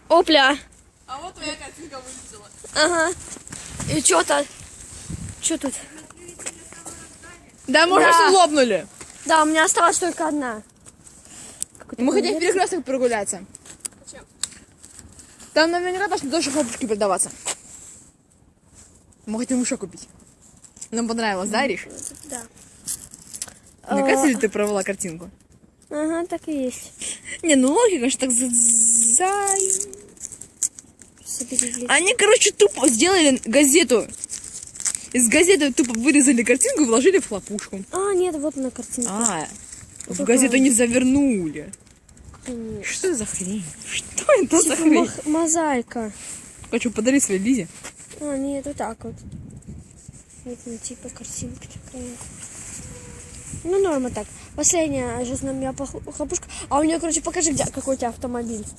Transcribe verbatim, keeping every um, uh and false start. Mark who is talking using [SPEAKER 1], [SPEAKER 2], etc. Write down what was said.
[SPEAKER 1] Опля.
[SPEAKER 2] А вот твоя картинка вылетела.
[SPEAKER 1] Ага. И что-то... Что тут?
[SPEAKER 2] Да, мы уже
[SPEAKER 1] Да.
[SPEAKER 2] все лопнули.
[SPEAKER 1] Да, у меня осталась только одна.
[SPEAKER 2] Мы хотим в перекресток прогуляться.
[SPEAKER 3] Зачем?
[SPEAKER 2] Там наверняка должны тоже хлопушки продаваться. Мы хотим еще купить. Нам понравилось, да, Риш?
[SPEAKER 1] Да.
[SPEAKER 2] Наконец ли ты провела картинку?
[SPEAKER 1] Ага, так и есть.
[SPEAKER 2] Не, ну логика, конечно, так за... за-
[SPEAKER 1] Соберись.
[SPEAKER 2] Они, короче, тупо сделали газету. Из газеты тупо вырезали картинку и вложили в хлопушку.
[SPEAKER 1] А, нет, вот она картинка.
[SPEAKER 2] А, в
[SPEAKER 1] такая?
[SPEAKER 2] газету не завернули.
[SPEAKER 1] Конечно.
[SPEAKER 2] Что это за хрень? Что это за
[SPEAKER 1] Типа
[SPEAKER 2] хрень?
[SPEAKER 1] мох- мозаика.
[SPEAKER 2] Хочу подарить своей Лизе.
[SPEAKER 1] А, нет, вот так вот. Вот, ну, типа картинка такая. Ну, норма так. Последняя жизнь у меня хлопушка. А у нее, короче, покажи, где, какой у тебя автомобиль.